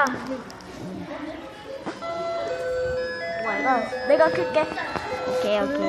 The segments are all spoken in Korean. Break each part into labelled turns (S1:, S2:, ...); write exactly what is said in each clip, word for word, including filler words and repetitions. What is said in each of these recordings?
S1: 오마이갓. 내가 클게.
S2: 오케이 오케이.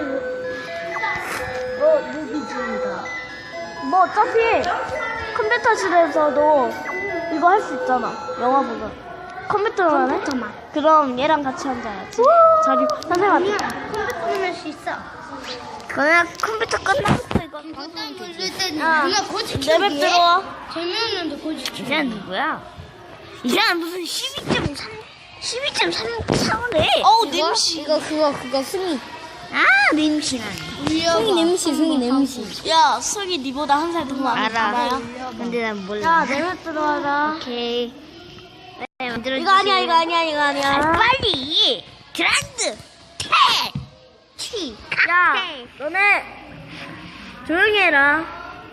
S1: 어, 무비즈입니다. 뭐 어차피 컴퓨터실에서도 이거 할 수 있잖아. 영화 보면. 컴퓨터만 해?
S2: 컴퓨터만.
S1: 그럼 얘랑 같이 앉아야지. 자리 선생님한테.
S2: 컴퓨터 보낼 수 있어. 그냥 컴퓨터 끝나서 이거 방송
S3: 돌릴 때
S1: 야,
S3: 누가 고지
S1: 내 맵 들어와.
S3: 재미없는데 고지
S2: 이 사람 누구야? 이 사람 무슨 십이 점 삼 십이 점 삼사래?
S1: 어우,
S3: 이거?
S1: 냄새.
S3: 이거 그거 그거 승희
S2: 아 냄새나네.
S3: 승희 냄새 승희 냄새
S1: 야, 승이 니보다 한 살 더 많아.
S2: 알아. 근데 난 몰라.
S1: 야, 내 맵 들어와라.
S2: 오케이. 네, 만들어
S1: 이거 아니야, 이거 아니야, 이거 아니야.
S2: 아, 빨리. 드라드. 태. 치.
S1: 야,
S2: 카페.
S1: 너네 조용히 해라.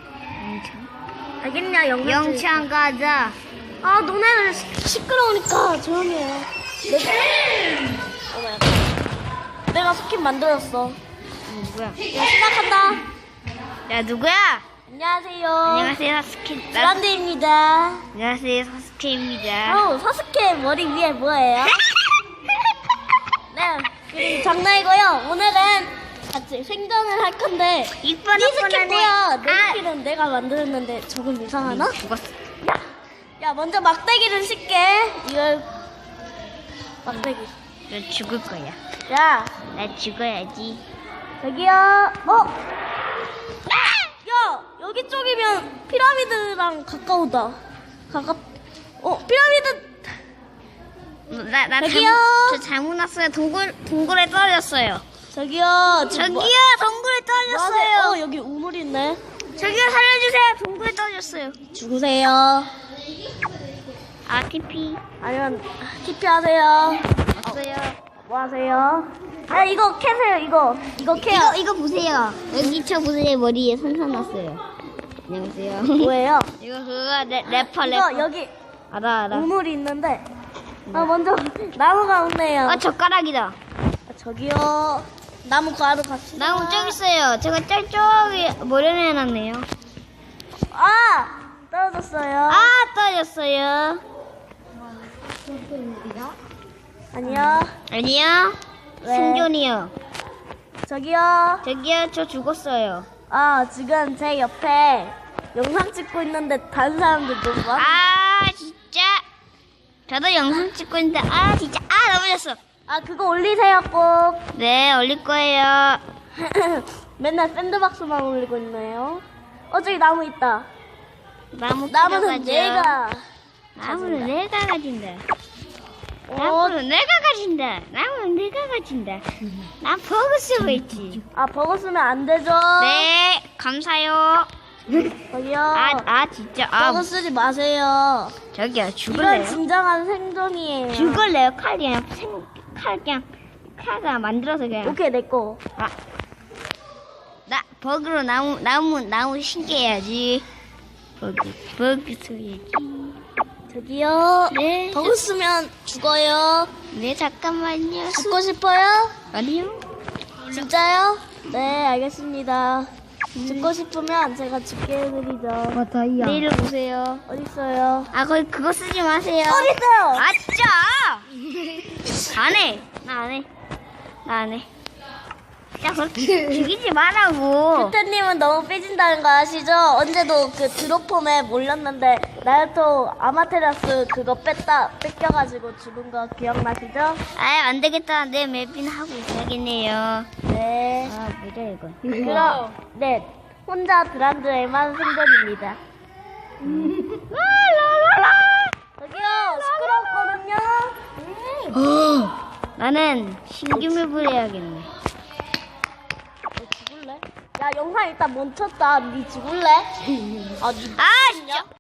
S1: 알겠냐, 영상.
S2: 영창 가자.
S1: 아, 너네는 시, 시끄러우니까 조용히 해. 내... 오마이갓. 내가 스킨 만들었어.
S2: 누구야?
S1: 야, 시작한다.
S2: 야 누구야?
S1: 안녕하세요.
S2: 안녕하세요 사스케.
S1: 브란드입니다.
S2: 안녕하세요 사스케입니다.
S1: 어, 사스케 머리 위에 뭐예요? 네, 그리고 장난이고요. 오늘은 같이 생존을 할 건데 이
S2: 이쁜
S1: 스킨 뭐야? 내
S2: 아,
S1: 스킨은 내가 만들었는데 조금 이상하나?
S2: 죽었어.
S1: 야, 먼저 막대기를 씻게. 이걸 막대기.
S2: 너 죽을 거야.
S1: 야,
S2: 나 죽어야지.
S1: 여기요. 어? 야, 여기 쪽이면 피라미드랑 가까우다. 가깝. 어, 피라미드.
S2: 나나
S1: 저기요.
S2: 저 잘못 났어요. 동굴 동굴에 떨어졌어요.
S1: 저기요. 지금
S2: 저기요
S1: 뭐-
S2: 동굴에
S1: 뭐 하세요?
S2: 떨어졌어요.
S1: 어, 여기 우물 있네.
S2: 저기요 살려주세요. 동굴에 떨어졌어요.
S1: 죽으세요.
S2: 아 티피
S1: 아니면 티피 하세요.
S2: 왔어요.
S1: 뭐 하세요? 야, 이거 캐세요. 이거. 이거 캐요.
S2: 이거 이거 보세요. 여기 저 보세요 머리에 손상 났어요. 안녕하세요.
S1: 뭐예요?
S2: 이거 그거 래, 래퍼
S1: 이거
S2: 래퍼.
S1: 여기
S2: 알아 알아.
S1: 우물이 있는데. 아, 먼저 나무가 없네요.
S2: 아 젓가락이다.
S1: 아, 저기요. 나무 가루 갑시다.
S2: 나무 저기 있어요. 제가 짤쪽이 머리를 해놨네요.
S1: 아! 떨어졌어요.
S2: 아 떨어졌어요.
S1: 아니요.
S2: 아니요.
S1: 왜?
S2: 생존이요.
S1: 저기요.
S2: 저기요 저 죽었어요.
S1: 아, 지금 제 옆에 영상 찍고 있는데 다른 사람들 너무 많아.
S2: 아 진짜. 저도 영상 찍고 있는데 아 진짜 아 넘어졌어.
S1: 아, 그거 올리세요, 꼭.
S2: 네 올릴 거예요.
S1: 맨날 샌드박스만 올리고 있네요. 어, 저기 나무 있다.
S2: 나무
S1: 나무는
S2: 가져가죠.
S1: 내가.
S2: 나무는 내가 가진다.
S1: 어,
S2: 나무는 내가 가진다. 나무는 내가 가진다. 난 버그 쓰고 있지.
S1: 아, 버거 쓰면 안 되죠?
S2: 네 감사요.
S1: 저기요.
S2: 아, 아 진짜 아
S1: 버거 쓰지 마세요.
S2: 저기요
S1: 이건
S2: 죽을래요?
S1: 진정한 생존이에요.
S2: 죽을래요? 칼 그냥 생, 칼 그냥 칼가 만들어서 그냥
S1: 오케이, 내꺼.
S2: 아, 나 버그로 나무 나무 나무 신기해야지. 버그 버그 써야지.
S1: 저기요.
S2: 네.
S1: 버거 쓰면 죽어요.
S2: 네 잠깐만요.
S1: 죽고 싶어요?
S2: 아니요.
S1: 진짜요? 네, 알겠습니다. 죽고 싶으면 제가 죽게 해드리죠.
S3: 맞아요
S2: 내일 오세요.
S1: 어딨어요?
S2: 아 거기 그거 쓰지 마세요.
S1: 어딨어요?
S2: 아 진짜. 안 해. 나 안 해. 나 안 해. 야 그렇게 죽이지 말라고.
S1: 큐태님은 너무 삐진다는 거 아시죠? 언제도 그 드로폼에 몰렸는데 나루토 아마테라스 그거 뺐다 뺏겨가지고 죽은 거 기억나시죠?
S2: 아 안 되겠다. 내 맵이나 하고 있어야겠네요.
S1: 네.
S2: 아 뭐죠 이거?
S1: 그럼 네 혼자 드란드에만 생존입니다. 저기요 시끄럽거든요.
S2: 나는 신규 맵을 해야겠네.
S1: 너 죽을래? 야 영상 일단 멈췄다. 니 죽을래? 아, 니
S2: 아 진짜.